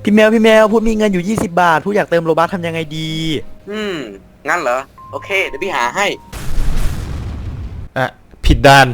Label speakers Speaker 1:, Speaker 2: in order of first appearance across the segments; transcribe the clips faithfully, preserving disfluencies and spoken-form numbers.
Speaker 1: พี่แมวพี่แมวพูดมีเงินอยู่ยี่สิบบาทพูดอยากเติมโลบัคทำยังไงดี
Speaker 2: อืมงั้นเหรอโอเคเดี๋ยวพี่หาให้
Speaker 3: อ่ะผิดด้าน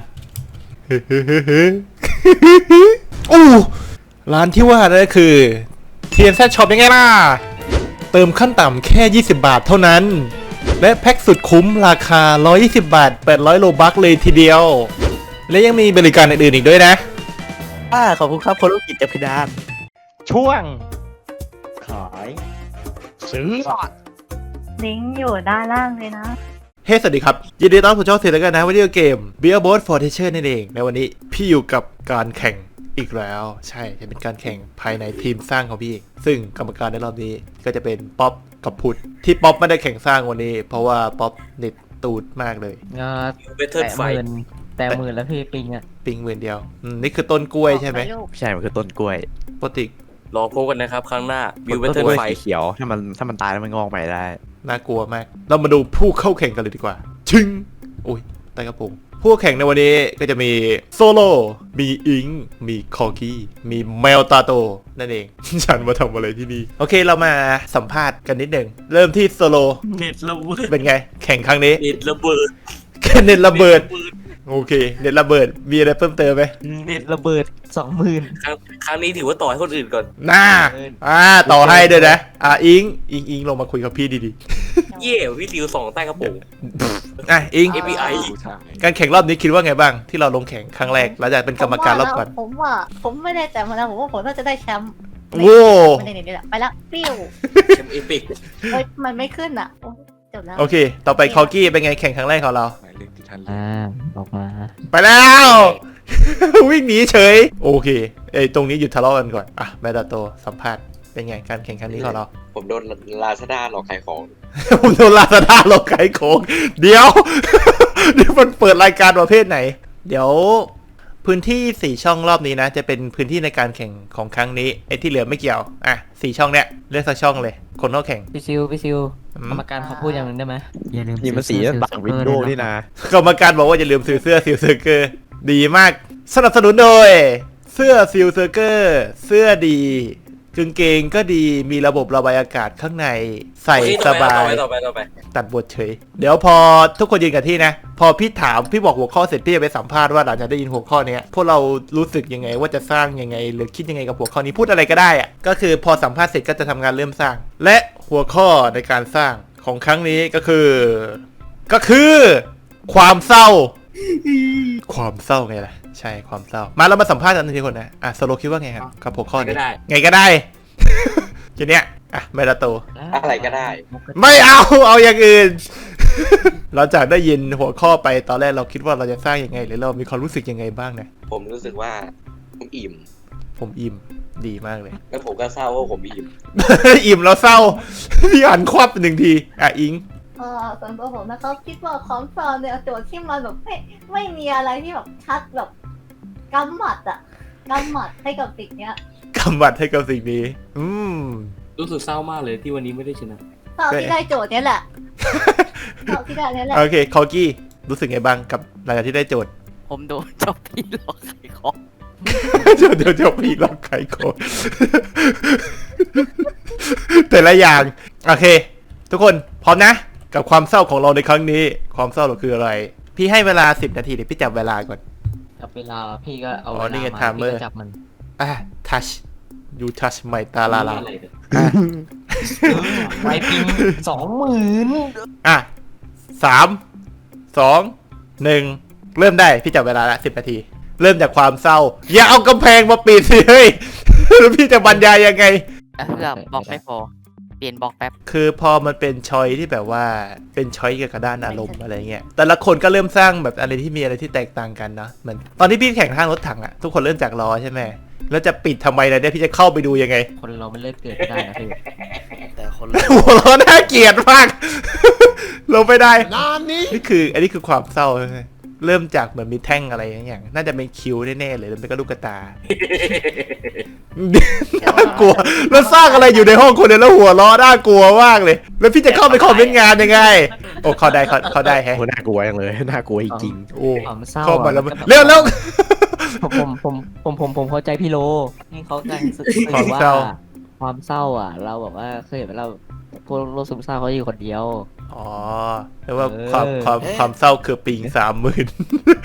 Speaker 3: อู้ร้านที่ว่านั่นก็คือ ที เอ็น แซด Shop ยังไงล่ะเติมขั้นต่ำแค่ยี่สิบบาทเท่านั้นและแพ็กสุดคุ้มราคาหนึ่งร้อยยี่สิบบาทแปดร้อยโลบัคเลยทีเดียวและยังมีบริการอื่นๆอีกด้วยนะ
Speaker 1: อ่าขอบคุณครับคนลูกกิจจากพิดาน
Speaker 3: ช่วง
Speaker 1: ขาย
Speaker 3: ซื้อ
Speaker 4: ลิงก์อยู่ด้านล่างเลยนะ
Speaker 3: เฮ้ hey, สวัสดีครับยินดีต้อนรับสู่ช่องเสียแล้วกันนะวิดีโอเกม Beerboat Fortune นั่นเองในวันนี้พี่อยู่กับการแข่งอีกแล้วใช่จะเป็นการแข่งภายในทีมสร้างของพี่เองซึ่งกรรมการในรอบนี้ก็จะเป็นป๊อปกับพุทธที่ป๊อปไม่ได้แข่งสร้างวันนี้เพราะว่าป๊อปเน็ตตูดมากเลย
Speaker 5: งา
Speaker 2: เบเทิลไฟ
Speaker 5: แต่หมื่นแล้วพี่ปิงอ่ะ
Speaker 3: ปิงหมื่นเดียวนี่คือต้นกล้วยใช่ไหม
Speaker 6: ใช่มันคือต้นกล้วย
Speaker 3: ปกติ
Speaker 2: รอพบกันนะครับครั้งหน้าวิวเบเทิลไฟ
Speaker 6: เขียวถ้ามันถ้ามันตายแล้วมันงอกใหม่ได้
Speaker 3: น่ากลัวมากเรามาดูผู้เข้าแข่งกันเลยดีกว่าชึ้งอุ้ยใต้กระโปรงผู้แข่งในวันนี้ก็จะมีโซโลมีอิงมีคอกี้มีแมวตาโตนั่นเอง ฉันมาทำอะไรที่นี่โอเคเรามาสัมภาษณ์กันนิดหนึ่งเริ่มที่โซโล
Speaker 2: เน็ตระเบิด
Speaker 3: เป็นไงแข่งครั้งนี้
Speaker 2: เน็ตระเบิด
Speaker 3: เน็ตระเบิดโอเคเน็ตระเบิดมีอะไรเพิ่มเติมไหม
Speaker 5: เน็ตระเบิดสองหมื่น
Speaker 2: ครั้งครั้งนี้ถือว่าต่อให้คนอื่นก่อน
Speaker 3: น่าอ่าต่อให้ด้วยนะอ่าอิงอิงอิงลงมาคุยกับพี่ดี
Speaker 2: ๆเย่พี่ดิวสองใต้กระโปรง
Speaker 3: อ่ะอิง
Speaker 2: เอ พี ไอ
Speaker 3: การแข่งรอบนี้คิดว่าไงบ้างที่เราลงแข่งครั้งแรกเราจะเป็นกรรมการรอบก่อน
Speaker 4: ผมว่าผมไม่ได้แต่มาแล้วผมว่าผมน่าจะได้แชมป์
Speaker 3: โว้
Speaker 4: ไม่ได้นี่แหละไปละปิ้ว
Speaker 2: แชมป์เอพิก
Speaker 4: เฮ้ยมันไม่ขึ้นอ่ะจบแล้ว
Speaker 3: โอเคต่อไปคอกี้เป็นไงแข่งครั้งแรกของเรา
Speaker 5: อ่าออกมา
Speaker 3: ไปแล้ววิ่งหนีเฉยโอเคไอตรงนี้หยุดทะเลาะกันก่อนอ่ะแมดาโตสัมภาษณ์เป็นไงการแข่งครั้งนี้ของเรา
Speaker 2: ผมโดนลาซาด้าหลอกขายของ
Speaker 3: ผมโดนลาซาด้าหลอกขายของเดี๋ยวนี่มันเปิดรายการประเภทไหนเดี๋ยวพื้นที่สี่ช่องรอบนี้นะจะเป็นพื้นที่ในการแข่งของครั้งนี้ไอ้ที่เหลือไม่เกี่ยวอ่ะสี่ช่องเนี้ยเลือกสักช่องเลยคนเข้าแข่ง
Speaker 5: พี่ซิวพี่ซิวกรรมการเขาพูดอย่างหนึ่งได้ไหม
Speaker 6: อย่าลืมนี่มันสีบังวินโดว์นี่นะ
Speaker 3: กรรมการบอกว่าอย่าลืมซื้อเสื้อซิลเซอร์เกอร์ดีมากสนับสนุนโดยเสื้อซิลเซอร์เกอร์เสื้อดีกางเกงก็ดีมีระบบระบายอากาศข้างในใส่สบายตัดบทเฉยเดี๋ยวพอทุกคนยืนกันที่นะพอพี่ถามพี่บอกหัวข้อเสร็จพี่จะไปสัมภาษณ์ว่าหลังจากได้ยินหัวข้อนี้พวกเรารู้สึกยังไงว่าจะสร้างยังไงหรือคิดยังไงกับหัวข้อนี้พูดอะไรก็ได้อะก็คือพอสัมภาษณ์เสร็จก็จะทำงานเริ่มสร้างและหัวข้อในการสร้างของครั้งนี้ก็คือก็คือความเศร้าความเศร้าไงล่ะใช่ความเศร้ามาเรามาสัมภาษณ์กันทีคนนะอ่ะโซโลคิดว่าไงครับกับหัวข้อนี้ไงก็ได้ทีเนี้ยอ่ะเมดาโต
Speaker 2: อะไรก็ได้
Speaker 3: ไม่เอาเอาอย่างอื่นเราจากได้ยินหัวข้อไปตอนแรกเราคิดว่าเราจะสร้างยังไงหรือเรามีความรู้สึกยังไงบ้างนะ
Speaker 2: ผมรู้สึกว่าผมอิ่ม
Speaker 3: ผมอิ่มดีมากเลย
Speaker 2: แล้วผมก็เศร้าว่าผมอิ่ม
Speaker 3: อิ่มแล้วเศร้าพี่หันควับหนึ่งทีอ่ะอิง
Speaker 4: เออส่วนตัวผมนะครับคิดว่าของฟาร์มเนี่ยโจทย์ที่มันแบบไม่ไม่มีอะไรที่แบบชัดแบบกำหมัดอะกำหมัดให้กับสิ่งเนี้ย
Speaker 3: กำหมัดให้กับสิ่งนี้อืม
Speaker 2: รู้สึกเศร้ามากเลยที่วันนี้ไม่ได้ชนะ
Speaker 4: เศร้าที่ได้โจทย์เนี้ยแหละเศร้าที่ได้เนี้ยแหละ
Speaker 3: โอเคคอกี้รู้สึกไงบ้างกับหลังจากที่ได้โจทย์
Speaker 5: ผมโดนจบพี่หลอกขายของ
Speaker 3: เดี๋ยวเดี๋ยวเดี๋ยวพี่หลอกขายของแต่ละอย่างโอเคทุกคนพร้อมนะกับความเศร้าของเราในครั้งนี้ความเศร้าเราคืออะไรพี่ให้เวลาสิบนาทีเดี๋ยวพี่จับเวลาก่อน
Speaker 5: จับเวลาพี่ก็เอาเวลามาพี่ก็จับมัน
Speaker 3: อ่ะ touch you touch my ตาลาลา
Speaker 5: ไวปิงสองหมื่น
Speaker 3: อ่ะสามสองหนึ่งเริ่มได้พี่จับเวลาละสิบนาทีเริ่มจากความเศร้าอย่าเอากำแพงมาปิดสิเฮ้ยแล้วพี่จะบรรยายยังไง
Speaker 5: เพื่อบล็อกไม่พอเปลี่ยนบล็อกแป๊บ
Speaker 3: คือพอมันเป็นชอยที่แบบว่าเป็นชอยเกี่ยวกับด้านอารมณ์อะไรเงี้ยแต่ละคนก็เริ่มสร้างแบบอะไรที่มีอะไรที่แตกต่างกันเนาะเหมือนตอนที่พี่แข่งทางรถถังอะทุกคนเริ่มจากล้อใช่ไหมแล้วจะปิดทำไมล่ะเนี่ยพี่จะเข้าไปดูยังไง
Speaker 5: คนเราไม่เลิกเกิดได้นะพี่
Speaker 3: แต่คนหัวเราน่าเกลียดมากลงไปได้นี่คืออันนี้คือความเศร้าใช่ไหมเริ่มจากเหมือนมีแท่งอะไรอย่างน่าจะเป็นคิ้วแน่ๆเลยแล้วเป็นก็ลูกตาน่ากลัวแล้วสร้างอะไรอยู่ในห้องคนเดียวแล้วหัวล้อน่ากลัวมากเลยแล้วพี่จะเข้าไปคอมเมนต์งานยังไงโอ้เขาได้เขาเขาได้แฮะ
Speaker 6: น่ากลัวอย่างเลยน่ากลัวจริง
Speaker 3: โอ้เข้ามาแล้วเร็วแล้ว
Speaker 5: ผมผมผมผมผมเข้าใจพี่โลนี่เขาการสื่อว่าความเศร้าอ่ะ เราแบบว่าเคยเห็นไหมเราพวกโรคซึมเศร้าเขาอยู่คนเดียว
Speaker 3: อ๋อแปลว่า
Speaker 5: เออ
Speaker 3: ความความความเศร้าคือปิงสามหมื่น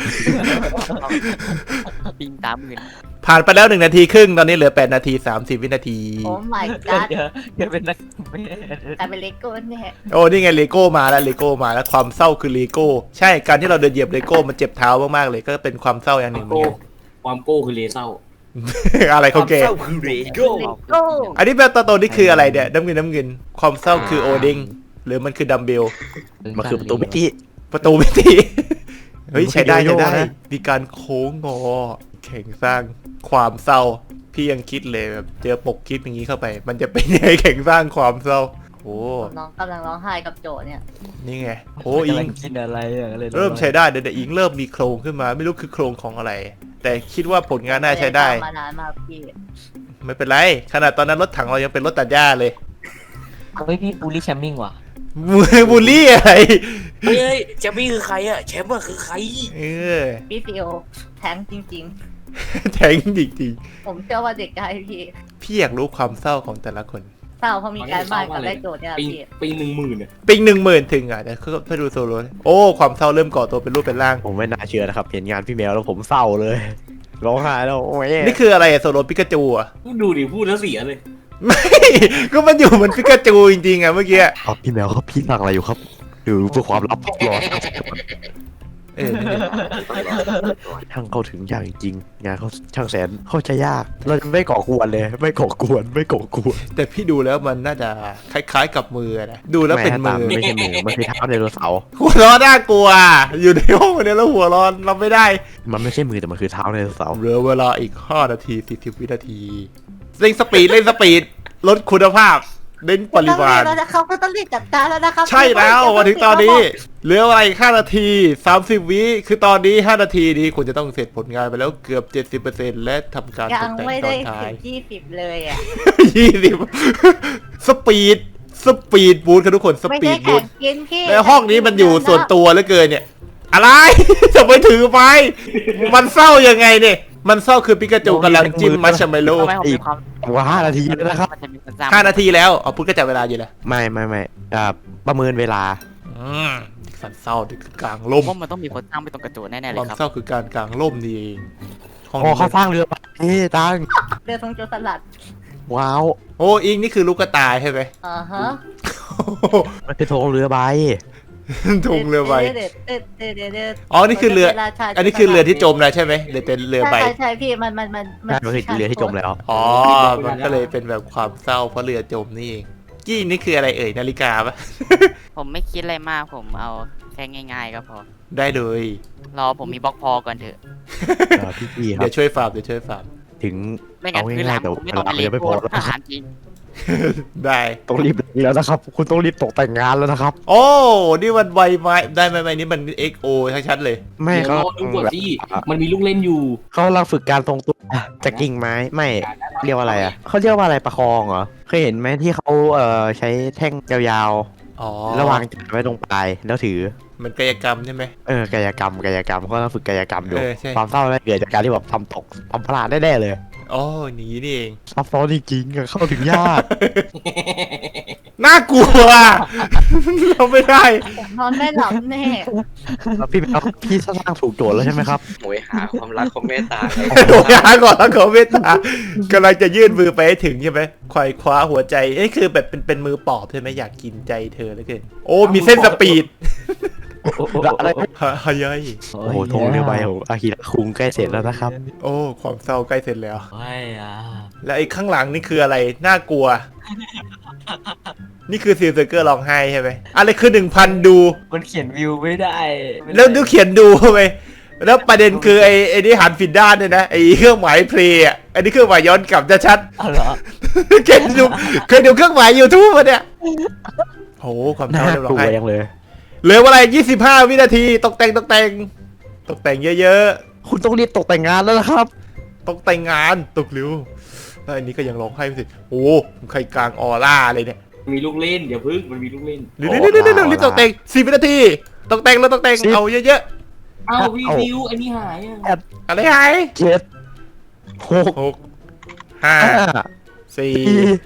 Speaker 5: ปิงสามหมื่น
Speaker 3: ผ่านไปแล้วหนึ่งนาทีครึ่งตอนนี้เหลือแปดนาทีสามสิบวินาที
Speaker 4: โอ้ my god
Speaker 5: เดี๋ยวเดี๋ยวเป็นนัก
Speaker 4: กลายเป็นเลโก้แน่
Speaker 3: โอ้นี่ไงเลโก้มาแล้วเลโก้มาแล้วความเศร้าคือเลโก้ใช่การที่เราเดินเหยียบเลโก้มันเจ็บเท้ามากๆเลยก็เป็นความเศร้าอย่างหนึ่งเหมือนกัน
Speaker 2: ความโก้คือเลเศร้า
Speaker 3: อะไรของแก
Speaker 2: เลโก้
Speaker 4: เลโก้
Speaker 3: อันนี้แบบตอนโตนี่คืออะไรเนี่ยน้ำเงินน้ำเงินความเศร้าคือโอดิงหรือมันคือดัมเบล
Speaker 6: มันคือประตูมิติ
Speaker 3: ประตูมิติเฮ้ย
Speaker 6: มันคือ
Speaker 3: ใช้ได้
Speaker 6: โย
Speaker 3: ใช้
Speaker 6: โย่
Speaker 3: ได้
Speaker 6: นะ
Speaker 3: มีการโค้งงอแข่งสร้างความเศร้าพี่ยังคิดเลยแบบเจอปกคลิปอย่างนี้เข้าไป มันจะเป็นยังไงแข่งสร้างความเศร้าโอ้
Speaker 4: น้องกำลังร้องไห้กับโจเนี่ย
Speaker 3: นี่ไงโอ้อิง
Speaker 5: กินอะไรอ่ะเลย
Speaker 3: เริ่มใช้ได้เดี๋ยวอิงเริ่มมีโครงขึ้นมา ไม่รู้คือโครงของอะไร แต่คิดว่าผลงานน่าใช้ได้
Speaker 4: มานานมากพี่
Speaker 3: ไม่เป็นไรขนาดตอนนั้นรถถังเรายังเป็นรถตัดหญ้าเลย
Speaker 5: เฮ้ยพี่บูลลี่แชมมิ่งว่ะ
Speaker 3: บูลลี่อะไร
Speaker 2: เฮ้ยแชมป์คือใครอะแชมป์คือใคร
Speaker 3: เออ
Speaker 4: พี่ฟิโอแทงจริง
Speaker 3: แทงจริง
Speaker 4: ๆ ผมเชื่อว่าเด็กได้พี่
Speaker 3: ๆพี่อยากรู้ความเศร้าของแต่ละคน
Speaker 4: เศร้าเพราะมีการบ้านกับได้โจทย์เนี่ย
Speaker 2: ปี
Speaker 4: พี่
Speaker 2: ปีหนึ่งหมื่นอะ
Speaker 3: ปิงหนึ่งหมื่นถึงอ่ะเดี๋ยวไปดูโซโล่โอ้ความเศร้าเริ่มก่อตัวเป็นรูปเป็นร่าง
Speaker 6: ผมไม่น่าเชื่อนะครับ เห็นงานพี่แมวแล้วผมเศร้าเลยร้องไห้แล้วโอ้ย
Speaker 3: นี่คืออะไรอะโซโลปิกาจูอ่ะ
Speaker 2: ดูดิพูดแล้วเสียเลย
Speaker 3: ไม่ ก็มันอยู่เหมือนปิกาจูจริงๆอ่ะเมื่อกี้
Speaker 6: ครับพี่แมวครับพี่สั่งอะไรอยู่ครับดูเพื่อความลับรอ
Speaker 3: เออนั่นดิ
Speaker 6: ช่างเข้าถึงยากจริงๆงานเขาช่างแสนเข้าใจยาก เราจะไม่ก่อกวนเลย ไม่ก่อกวนไม่ก่อกวน
Speaker 3: แต่พี่ดูแล้วมันน่าจะคล้ายๆกับมือนะดูแล้วเป็นมือ
Speaker 6: ไม่ใช่มือมันคือเท้าไดโนเสาร์
Speaker 3: หัวเร้อนน่ากลัว อยู่ในห้องเนี่ยแล้วหัวร้อนเราไม่ได้
Speaker 6: มันไม่ใช่มือแต่มันคือเท้าไดโนเสาร์
Speaker 3: เหลือเวลาอีกห้านาทีสี่สิบวินาทีเร่งสปีดเร่งสปีดลดคุณภาพเน้นปริมาณ
Speaker 4: แล้วนะครับก็ต้องรีบจัดการแล้วนะครับ
Speaker 3: ใช่แล้วมาถึงตอนนี้เหลืออะไรอีกห้านาทีสามสิบวิคือตอนนี้ห้านาทีนี้คุณจะต้องเสร็จผลงานไปแล้วเกือบ เจ็ดสิบเปอร์เซ็นต์ และทำการ
Speaker 4: ยั
Speaker 3: ต
Speaker 4: ง
Speaker 3: กแต่ง
Speaker 4: ไม่
Speaker 3: ตอ
Speaker 4: ได้
Speaker 3: นท้า
Speaker 4: ถึ
Speaker 3: ย
Speaker 4: งยี่สิบเลยอ่ะ
Speaker 3: ยี่สิบสปีดสปีดบูทครับทุกคนส
Speaker 4: ไม่
Speaker 3: ปี
Speaker 4: ใช่
Speaker 3: ดบู
Speaker 4: แข่
Speaker 3: ท
Speaker 4: งกินพี่
Speaker 3: แล้วห้องนี้มันอยู่ส่วนตัวเหลือเกินเนี่ย อะไร จะไปถือไปมันเศร้ายังไงเนี่ยมันเศร้าคือปิกาจูกำลังจิ้มมัชเมลโล่
Speaker 5: ทำไมผมมีความ
Speaker 6: ว่าห้านาทีแล้วนะครับ
Speaker 5: มันจะมีคนจำ
Speaker 3: ห้านาทีแล้วเอาพุทธก็จับเวลาอยู่แล้ว
Speaker 6: ไม่ไม่ไม่อ่าประเมินเวลา
Speaker 3: อืมสันเศร้านี่คือกลางล่ม
Speaker 5: ว่ามันต้องมีคนตั้งไปตรงกระจกแน่ๆเล
Speaker 3: ควาย ม
Speaker 5: ครับ
Speaker 3: เศร้าคือการกลางล่มนี่เองห้อง
Speaker 6: โอ้
Speaker 3: นี้
Speaker 6: เขาสร้างเรือเฮ้ตัง
Speaker 4: เรือทรงโจรสลัด
Speaker 6: ว้าว
Speaker 3: โอ้อิงนี่คือลูกกระต่ายใช่ไหม
Speaker 4: อ่าฮะ
Speaker 6: มันคือโทงเรือใบ
Speaker 3: ทุงเรือใบ
Speaker 4: เด็ดเด็ดเด็ดเด็ดเด็ด
Speaker 3: อ๋อนี่คือเรือ อันนี้คือเรือที่จมแล้วใช่ไหมเรือเป็นเรือใบ
Speaker 4: ใช่ใช่พี่มันมันมัน
Speaker 6: ใช่มันคือเรือที่จมแล้ว
Speaker 3: อ๋อ มันก็เลยเป็นแบบความเศร้าเพราะเรือจมนี่เองกี้นี่คืออะไรเอ่ยนาฬิกาปะ
Speaker 5: ผมไม่คิดอะไรมากผมเอาแค่ง่ายๆก็พอ
Speaker 3: ได้เลย
Speaker 5: รอผมมีบล็อกพอก่อนเถอะ
Speaker 6: เออพี่พี่ครั
Speaker 3: เดี๋
Speaker 6: บ
Speaker 3: ยวช่วยฟาร์มเดี๋ยวช่วยฟาร์ม
Speaker 6: ถึง
Speaker 5: ไม่งั้น
Speaker 6: เอา
Speaker 5: คือหลั
Speaker 6: ง่าง ยๆแต่
Speaker 5: ผมไม่ต้อง
Speaker 6: เวลา
Speaker 5: ไปเล
Speaker 6: เรือไม่
Speaker 5: โก้
Speaker 6: พอแล้ว
Speaker 5: อาหารจริง
Speaker 3: ได้
Speaker 6: ต้องรีบแล้วนะครับ คุณต้องรีบตกแต่งงานแล้วนะครับ
Speaker 3: โอ้ นี่มันใบไม้ได้ไหมใบนี้มัน เอ็กซ์ โอ ชัดๆเลย
Speaker 6: ไม่
Speaker 2: เดี๋ยว
Speaker 6: เขา
Speaker 2: รอดูก่อนที่มันมีลูกเล่นอยู่
Speaker 6: เขากำลังฝึกการทรงตัวจากกิ่งไม้ไม่เรียกว่าอะไรอ่ะเขาเรียกว่าอะไรประคองเหรอเคยเห็นไหมที่เขาเอ่อใช้แท่งยาว
Speaker 3: อ๋อ
Speaker 6: ๆแล้ววางจานไว้ตรงปลายแล้วถือ
Speaker 3: มันกายกรรมใช่ไหม
Speaker 6: เออกายกรรมกายกรรมเขากำลังฝึกกายกรรมอยู่
Speaker 3: เออใช่
Speaker 6: ความเศร้าได้เกิดจากการที่แบบทำตกทำพลาดแน่ๆเลย
Speaker 3: อ๋อหนีนี่เอง
Speaker 6: ซับซ้อนจริงๆอะเข้าถึงยาก
Speaker 3: น่ากลัว เราไม่ได้
Speaker 4: นอนไม่หลับแน่
Speaker 6: แล้วพี่ครับพี่สร้างถูกโจทย์แล้วใช่ไหมครับ
Speaker 2: โหยหาความรักความเมตตา
Speaker 3: โดนยาก่อนแล้วเขาเมตตากำลังจะยื่นมือไปให้ถึงใช่ไหมควายคว้าหัวใจเอ้ยคือแบบเป็นเป็นมือปอบใช่ไหมอยากกินใจเธอแล้วเกินโอ้มีเส้นสปีด
Speaker 6: อะไร
Speaker 3: ฮะฮะยัย
Speaker 6: โอ้โหธงเรือใบของอากิระคุงใกล้เสร็จแล้วนะครับ
Speaker 3: โอ้ความเศร้าใกล้เสร็จแล้ว
Speaker 5: ไม่อ่ะ
Speaker 3: แล้วไอ้ข้างหลังนี่คืออะไรน่ากลัว นี่คือซีลเซอร์เกอร์ร้องไห้ใช่ไหมอะไรคือหนึ่งพันดู
Speaker 5: มันเขียนวิวไม่ได้
Speaker 3: แล้วดูเขียนดูไปแล้วประเด็นคือไอ้ไอ้นี่หันผิดด้านเนี่ยนะไอ้เครื่องหมายเพลย์อ่ะอันนี้เครื่องหมายย้อนกลับจะชัด
Speaker 5: เอาเหรอ
Speaker 3: เคยดูเคยดูเครื่องหมายยูทูบมาเนี่ยโหความเศร้า
Speaker 6: น่า
Speaker 3: เรียบร้
Speaker 6: กลัว
Speaker 3: อย
Speaker 6: ยังเลย
Speaker 3: เหลือเวลายี่สิบห้าวินาทีตกแต่งตกแต่งตกแต่งเยอะ
Speaker 6: คุณต้องรีบตกแต่งงานแล้วนะครับ
Speaker 3: ๆตกแต่งงานตกเร็วแล้วอันนี้ก็ยังร้องไห้ไม่เสร็จโอ้ใครกลางออร่าเลยเนี่ย
Speaker 2: มีลูกเล่นเดี๋ยวพึ่งมันมีลูกเล่น
Speaker 3: เร็วๆๆๆๆรีบตกแต่งสี่วินาทีตกแต่งแล้วตกแต่ง
Speaker 6: สิบ
Speaker 3: เอาเยอะ
Speaker 2: เอ้าพี่ฟิวอันนี้หายอ่ะ
Speaker 3: ๆอะไรหาย
Speaker 6: เจ็ดหก
Speaker 3: หกห้า
Speaker 6: ห้า
Speaker 3: สี่
Speaker 6: สี่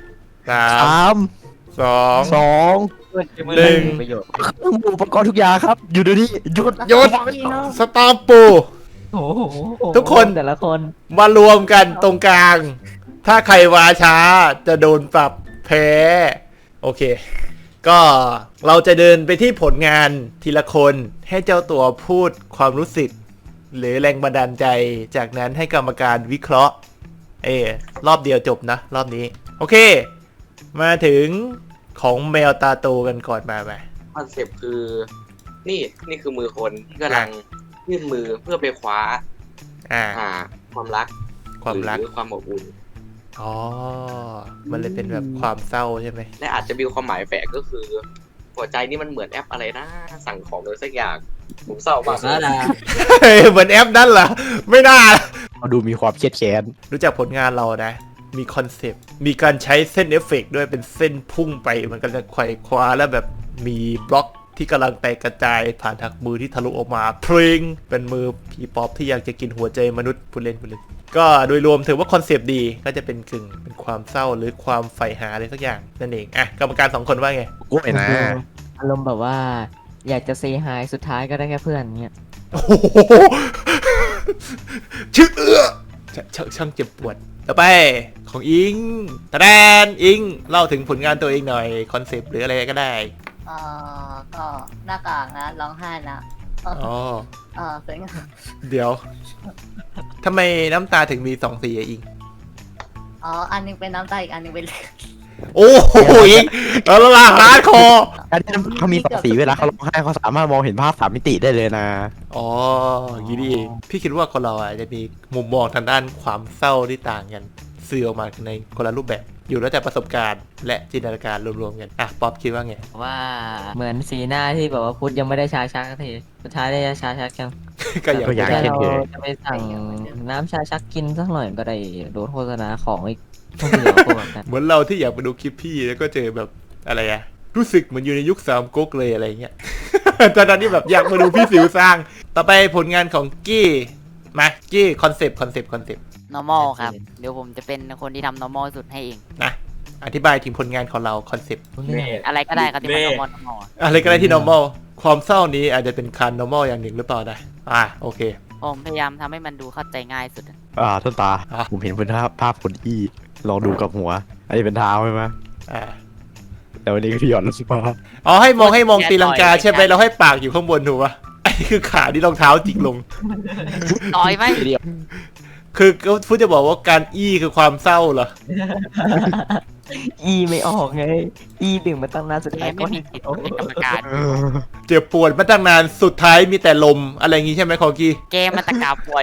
Speaker 3: สา
Speaker 6: สาม ม
Speaker 3: สอง
Speaker 6: สอง
Speaker 3: หนึ่ง
Speaker 5: ประโยชน์
Speaker 6: อุปกรณ์ทุกอย่างครับ อยู่เดี๋ยวนี้หยุด
Speaker 3: หยุดสตาร์ปู
Speaker 5: โอ้โห
Speaker 3: ทุกคน
Speaker 5: แต่ละคน
Speaker 3: มารวมกันตรงกลาง ถ้าใครวาช้าจะโดนปรับแพ้ โอเค ก็เราจะเดินไปที่ผลงานทีละคนให้เจ้าตัวพูดความรู้สึก หรือแรงบันดาลใจ จากนั้นให้กรรมการวิเคราะห์ เออรอบเดียวจบนะ รอบนี้ โอเค มาถึงของแมวตาโตกันก่อนมาไป
Speaker 2: คอนเซปต์คือ นี่นี่คือมือคนที่กำลังยื่นมือเพื่อไปคว้า
Speaker 3: อ่า
Speaker 2: หาความรัก
Speaker 3: ความรัก
Speaker 2: หรือความอบอุ่น
Speaker 3: อ๋อ มันเลยเป็นแบบความเศร้าใช่ไหม
Speaker 2: และอาจจะมีความหมายแฝงก็คือ หัวใจนี่มันเหมือนแอปอะไรนะ สั่งของเลยสักอย่างผมเศร้ามากเลย
Speaker 3: เฮ้ยเหมือนแอปนั่นเหรอ ไม่น่า
Speaker 6: เขาดูมีความเครียดแค้น
Speaker 3: รู้จักผลงานเรานะ มีคอนเซปต์ มีการใช้เส้นเอฟเฟกต์ด้วยเป็นเส้นพุ่งไป มันก็จะไขว่คว้าแล้วแบบมีบล็อกที่กำลังแตกกระจายผ่านทางมือที่ทะลุออกมาเพลงเป็นมือผีป๊อปที่อยากจะกินหัวใจมนุษย์ผู้เล่นผู้เล่นก็โดยรวมถือว่าคอนเซปต์ดีก็จะเป็นกึ่งเป็นความเศร้าหรือความใฝ่หาอะไรสักอย่างนั่นเองอ่ะกรรมการสองคนว่าไง
Speaker 6: กล้วยนะ
Speaker 5: อารมณ์แบบว่า อยากจะเซฮายสุดท้ายก็ได้แค่เพื่อนเงี้ย
Speaker 3: โอ้โหชื่อเอื้อชชช่างเจ็บปวดต่อไปของอิงตะแดนอิงเล่าถึงผลงานตัวเองหน่อยคอนเซปต์หรืออะไรก็ได้
Speaker 4: เอ่อก็หน้ากากนะร้องไห้นะเออ
Speaker 3: อ๋อ
Speaker 4: เออสวยงาม
Speaker 3: เดี๋ยวทำไมน้ำตาถึงมีสองสีอะอิง
Speaker 4: อ๋ออันหนึงเป็นน้ำตาอีกอันหนึงเป็นเลือด
Speaker 3: โอ้โหอิงแล้วละลาฮาร์ดคอร์
Speaker 6: การที่เขามีสองสีเวลาเขาร้องไห้เขาสามารถมองเห็นภาพสามมิติได้เลยนะ
Speaker 3: อ๋ออย่างนี้นี่เองพี่คิดว่าคนเราอ่ะจะมีมุมมองทางด้านความเศร้าที่ต่างกันสื่อออกมาในคนละรูปแบบ อยู่แล้วแต่ประสบการณ์และจินตนาการรวมๆกันอ่ะป๊อปคิดว่าไง
Speaker 5: ว่าเหมือนสีหน้าที่แบบว่าพุทธยังไม่ได้ชาชักสักทีสุดท้ายได้ชาชักกัน
Speaker 3: ก็อย่าง
Speaker 6: ก็อยาก
Speaker 5: แต่
Speaker 6: เช่น
Speaker 5: เรา
Speaker 6: เคย
Speaker 5: จะไปสั่งน้ำชาชักกินสักหน่อยก็ได้โดนโฆษณาของอีกต้องเบื่อพวกนั้น
Speaker 3: เหมือนเราที่อยากไปดูคลิปพี่แล้วก็เจอแบบอะไรอะรู้สึกเหมือนอยู่ในยุคสามก๊กเลยอะไรเงี้ย ตอนนั้นที่แบบอยากมาดูพี่สิวสร้าง ต่อไปผลงานของกี้มากี้คอนเซปต์คอนเซปต์คอนเซปต์
Speaker 7: normal ครับ เดี๋ยวผมจะเป็นคนที่ทำ normal สุดให้เอง
Speaker 3: นะอธิบายถึงผลงานของเราคอนเซปต์
Speaker 7: อะไรก็ได้ครับที่มัน normal normal อะ
Speaker 3: อะไรก็ได้ที่ normal ความเศร้านี้อาจจะเป็นคัน normal อย่างหนึ่งหรือเปล่านะอ่ะโอเค
Speaker 7: ผมพยายามทำให้มันดูเข้าใจง่ายสุดอะ
Speaker 6: อ่าต้นตา
Speaker 3: อ่ะ
Speaker 6: ผมเห็นเป็นภาพภาพคนอี้ลองดูกับหัว อันนี้เป็นเท้าใช่ไหม
Speaker 3: อ่า
Speaker 6: แต่วันนี้ก็พี่หย่อนลงมา
Speaker 3: อ๋อให้มองให้มองตีลังกาใช่ไหมเราให้ปากอยู่ข้างบนถูกปะอันนี้คือขาที่รองเท้าจิกลง
Speaker 7: ต่อยไหม
Speaker 6: เดียว
Speaker 3: คือก็พูดจะบอกว่าการอี้คือความเศร้าเหรอ
Speaker 5: อีไม่ออกไง อีดึงมาตั้งนานสุด
Speaker 7: แก
Speaker 5: ท้ายก็
Speaker 7: ไม่มีสิทธิ์เป็นกรรมการ
Speaker 3: เจ็บปวดมาตั้งนานสุดท้ายมีแต่ลมอะไรอย่างงี้ใช่ไหมคอกี้
Speaker 7: แกมันตะกาป่วย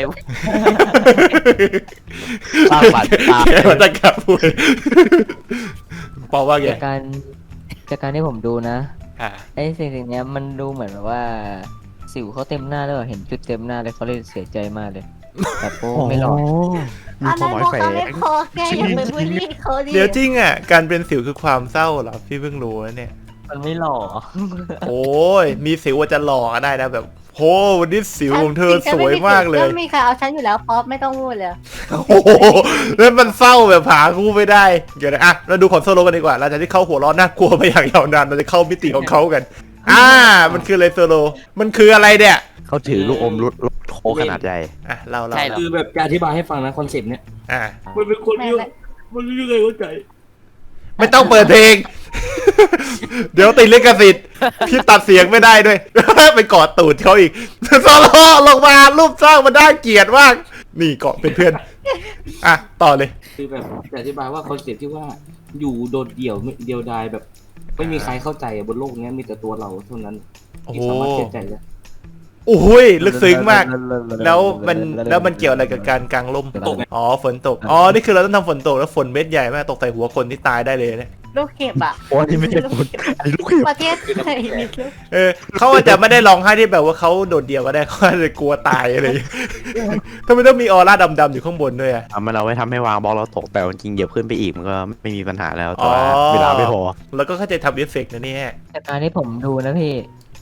Speaker 6: สร้างบาดตา
Speaker 3: แกมาตั้งกับปวดปอว่าไง
Speaker 5: จากการจากการที่ผมดูนะ
Speaker 3: อ่า
Speaker 5: ไอ้สิ่งสิ่งเนี้ยมันดูเหมือนแบบว่า สิวเขาเต็มหน้าเลยว่ะเห็นจุดเต็มหน้าเลยเขาเลยเสียใจมากเลยแบบโอ้ไม่หลอก
Speaker 6: มี
Speaker 4: อัน
Speaker 6: ควา
Speaker 4: นั้
Speaker 6: ม
Speaker 4: น
Speaker 6: หมาย
Speaker 4: พอ
Speaker 6: แฝ
Speaker 4: เขาไม่
Speaker 6: ง
Speaker 4: พอแกอย่าไปบูลลี่เขาดิ
Speaker 3: เดี๋ยวจริงอ่ะการเป็นสิวคือความเศร้าเหรอพี่เพิ่งรู้นะเนี่ย
Speaker 5: มันไม่หล่อ
Speaker 3: โอ้ยมีสิวอาจจะหล่อก็ได้นะแบบโหวันนี้สิวของเธอสวยมากเลย
Speaker 4: ไม่มีใครเอาฉันอยู่แล้วป๊อปไม่ต้องพูดเลย
Speaker 3: โอ้โหแล้วมันเศร้าแบบหาคู่ไม่ได้เดี๋ยวนะอ่ะเราดูของโซโลกันดีกว่าหลังจากที่เขาหัวเร้อนน่ากลัวมาอย่างยาวนานเราจะเข้ามิติของเขากัน อ่า มันคืออะไรโซโลมันคืออะไรเนี่ย
Speaker 6: เขาถือลูกอมรถรถโคกขนาดใหญ่
Speaker 3: อ่ะเราเรา
Speaker 7: ใช่เหรอ
Speaker 2: คือแบบจะอธิบายให้ฟังนะคอนเซปต์เนี้ย
Speaker 3: อ่ะ
Speaker 2: มันเป็นคน
Speaker 4: ไม่
Speaker 2: ที่
Speaker 4: ไม่
Speaker 2: มันไม่มีใครเข้าใจ
Speaker 3: ไม่ต้องเปิดเพลง เดี๋ยวติดลิขสิทธิ์พี่ตัดเสียงไม่ได้ด้วย ไปกอดตูดเขาอีกโซโลลงมารูปสร้างมันได้เกลียดมาก นี่เกาะเป็นเพื่อนอ่ะต่อเลย
Speaker 2: คือแบบจะอธิบายว่าคอนเซปต์ที่ว่าอยู่โดดเดี่ยวไม่เดียวดายแบบ ไม่มีใครเข้าใจอะบนโลกเนี้ยมีแต่ตัวเราเท่านั้น
Speaker 3: โอ้
Speaker 2: ที่
Speaker 3: โห
Speaker 2: สามารถเชื่อใจได้
Speaker 3: โอ้ยลึกซึ้งมาก แล้วมันแล้วมันเกี่ยวอะไรกับการกางร่ม
Speaker 2: ตกไง
Speaker 3: อ๋อฝนตก อ๋อ นี่คือเราต้องทำฝนตกแล้วฝนเม็ดใหญ่มากตกใส่หัวคนที่ตายได้เลยเนี่ย
Speaker 4: ลูกเห็บอะ
Speaker 6: โอ้อันนี้ไม่ใช่คนอันนี้ลูกเห็บ
Speaker 4: ประเทศไทยมีลูก
Speaker 3: เออเขาอาจจะไม่ได้ร้องไห้ที่แบบว่าเขาโดดเดี่ยวก็ได้เขาอาจจะกลัวตายอะไรอย่างเงี้ยทำไมต้องมีออร่าดำๆอยู่ข้างบนด้วยอ่ะ
Speaker 6: อ่ะมันเอาไว้ทำให้วางบล็อกเราตกแต่จริงๆเหยียบขึ้นไปอีกมันก็ไม่มีปัญหาแล้ว
Speaker 3: อ๋
Speaker 6: แต่
Speaker 3: อ
Speaker 6: ว่าเวลาไม่พอ
Speaker 3: แล้วก็เข้าใจทำเอฟเฟกต์นะเนี่ย
Speaker 5: จากการที่ผมดูนะพี่ ผ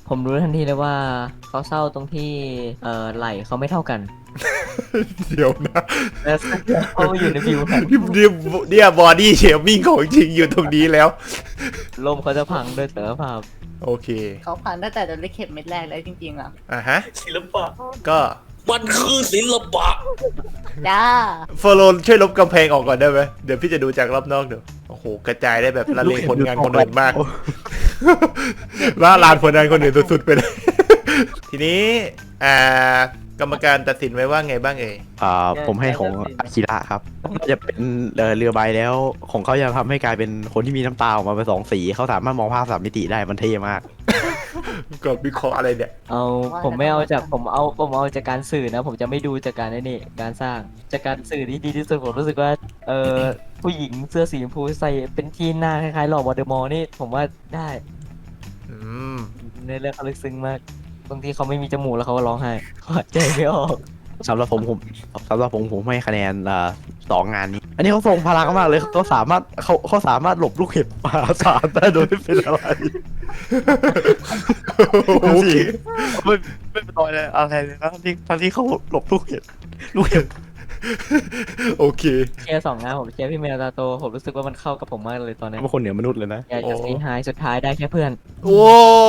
Speaker 5: ผมรู้ทันทีเลยว่าเขาเศร้าตรงที่เอ่อไหล่เขาไม่เท่ากัน
Speaker 3: เดี๋ยวนะ
Speaker 5: และเขาอยู่ในวิวครับ
Speaker 3: เนี่ยเนี่ยบอดี้เชมิ่งของจริงอยู่ตรงนี้แล้ว
Speaker 5: ลมเขาจะพังด้วยเสถียรภาพ
Speaker 3: โอเค
Speaker 4: เขาผ่านตั้งแต่โดนเลขเข็มเม็ดแรกเลยจริงๆอ่ะ
Speaker 3: อ่ะฮะ
Speaker 2: ศิลปะ
Speaker 3: ก็
Speaker 2: มันคือศิลปะ
Speaker 4: จ้า
Speaker 3: โฟโลช่วยลบกำแพงออกก่อนได้ไหมเดี๋ยวพี่จะดูจากรอบนอกเดี๋ยวโอ้โหกระจายได้แบบละเลงผลงานคนอื่นมากว่าลานผลงานคนอื่นสุดๆไปเลย ทีนี้อ่ากรรมการตัดสินไว้ว่าไงบ้างเอ่ย
Speaker 6: อ่าผมให้ของอากิระครับน่าจะเป็นเอ่อเรือใบแล้วของเขาจะทำให้กลายเป็นคนที่มีน้ำตาออกมาเป็นสองสีเขาสามารถมองภาพสามมิติได้มันเท่มาก
Speaker 3: ก็วิเคราะห์อะไรเนี่ย
Speaker 5: เอาผมไม่เอาจากผมเอาผมเอาจากการสื่อนะ ผมจะไม่ดูจากการไอ้นี่การสร้างจากการสื่อที่ดีที่สุดผมรู้สึกว่าเออผู้หญิงเสื้อสีชมพูใส่เป็นที่หน้าคล้ายๆหล่อวอเดอมอร์นี่ผมว่าได้
Speaker 3: อืม
Speaker 5: ในเรื่องเขาลึกซึ้งมากบางทีเขาไม่มีจมูกแล้วเขาก็ร้องไห้เขาหายใจไม่ออก
Speaker 6: สำหรับผมผมสำหรับผมผมให้คะแนนอ่าสองงานนี้ อันนี้เขาทรงพลังมากเลยเขาสามารถเขาเขาสามารถหลบลูกเห็บมหาศาลได้โดยไม่เป็นอะไร
Speaker 3: โอเค
Speaker 6: ไม่ไม่เป็นรอยเลยอะไรเลยนะที่ทั้งที่เขาหลบลูกเห็บลูกเห็บ
Speaker 3: โอเค
Speaker 5: เชียร์สองนะผมเชียร์พี่เมลตาโตผมรู้สึกว่ามันเข้ากับผมมากเลยตอนนี้
Speaker 6: เป็นคนเหนือมนุษย์เลยนะ
Speaker 5: อยากจะซีไฮสุดท้ายได้แค่เพื่อน
Speaker 3: โอ้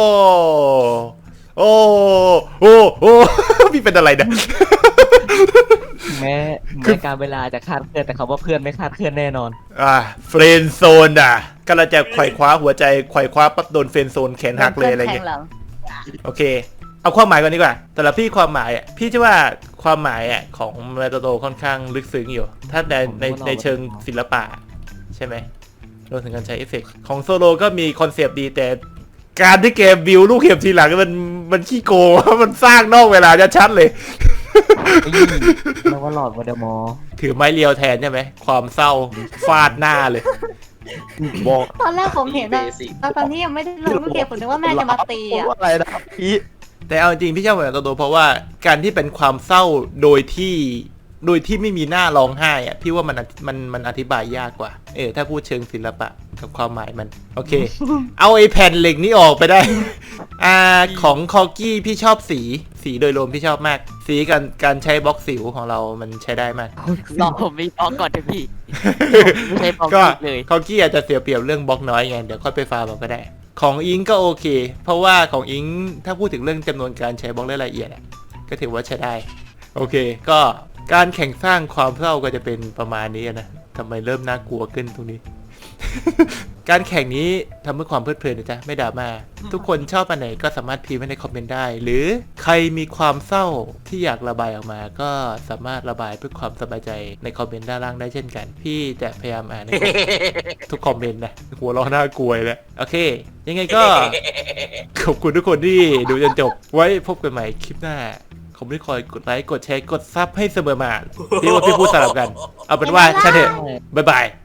Speaker 3: โอ้โอ้โอ้ พี่เป็นอะไรเนี่ย
Speaker 5: ถึงแม้ถึงแม้การเวลาจะคาดเคลื่อนแต่คำว่าเพื่อนไม่คาดเคลื่อนแน่นอน
Speaker 3: อ่าเฟรนโซนอ่ะกำลังจะไขว่คว้าหัวใจไขว่คว้าปั๊บโดนเฟรนโซนแขนหักเลยอะไรเงี้ย
Speaker 4: แทงหลัง
Speaker 3: โอเค เอาความหมายก่อนดีกว่าสำหรับพี่ความหมายอ่ะพี่เชื่อว่าความหมายอ่ะของเมตาโตค่อนข้างลึกซึ้งอยู่ ถ้าในในในเชิงศิลปะใช่ไหมรวมถึงการใช้เอฟเฟกต์ของโซโลก็มีคอนเซปต์ดีแต่การที่เกมบิวลูกเห็บทีหลังมันมันขี้โกง มันสร้างนอกเวลาจะชัดเลย
Speaker 5: แล้วว่าหลอดวอเดอมอร์
Speaker 3: ถือไม้เรียวแทนใช่ไหมความเศร้าฟาดหน้าเลย
Speaker 6: บอก
Speaker 4: ตอนแรกผมเห็นอะตอนที่ยังไม่ได้ลงลูกเข็มผมนึกว่าแม่จะมาตีอ่ะ
Speaker 6: อะไรนะพี่
Speaker 3: แต่เอาจริงพี่ชอบเมตาโตเพราะว่าการที่เป็นความเศร้าโดยที่โดยที่ไม่มีหน้าร้องไห้อะพี่ว่ามันมันมันอธิบายยากกว่าเออถ้าพูดเชิงศิลปะกับความหมายมันโอเค เอาไอ้แผ่นเหล็กนี้ออกไปได้ อ่าของคอกี้พี่ชอบสีสีโดยรวมพี่ชอบมาก สีการการใช้บล็อกสิวของเรามันใช้ได้มาก
Speaker 7: รอผมมีบล็อกก่อนเถอะพี่ ไม่ใช่บล็อก
Speaker 3: ก็
Speaker 7: เลย
Speaker 3: คอกี้อาจจะเสียเปรียบเรื่องบล็อกน้อยไงเดี๋ยวค่อยไปฟาร์มเอาก็ได้ ของอิงก็โอเค เพราะว่าของอิงถ้าพูดถึงเรื่องจำนวนการใช้บล็อกรายละเอียดอะก็ถือว่าใช้ได้ โอเค ก็การแข่งสร้างความเศร้าก็จะเป็นประมาณนี้นะทำไมเริ่มน่ากลัวขึ้นตรงนี้ การแข่งนี้ทำเพื่อความเพลิดเพลินนะจ๊ะไม่ดราม่าทุกคนชอบอันไหนก็สามารถพิมพ์ไว้ในคอมเมนต์ได้ หรือใครมีความเศร้าที่อยากระบายออกมา ก็สามารถระบายเพื่อความสบายใจในคอมเมนต์ด้านล่างได้เช่นกัน พี่จะพยายามอ่านใน ทุกคอมเมนต์นะหัวเราะน่ากลัวแล้วโอเค ยังไงก็ ขอบคุณทุกคนที่ดูจนจบไว้พบกันใหม่คลิปหน้าผมไม่คอยกดไลค์กดแชร์กดซับให้เสมอมาพี่ว่าพี่พูดสลับกัน เอาเป็นว่าใช่เถอะบ๊ายบาย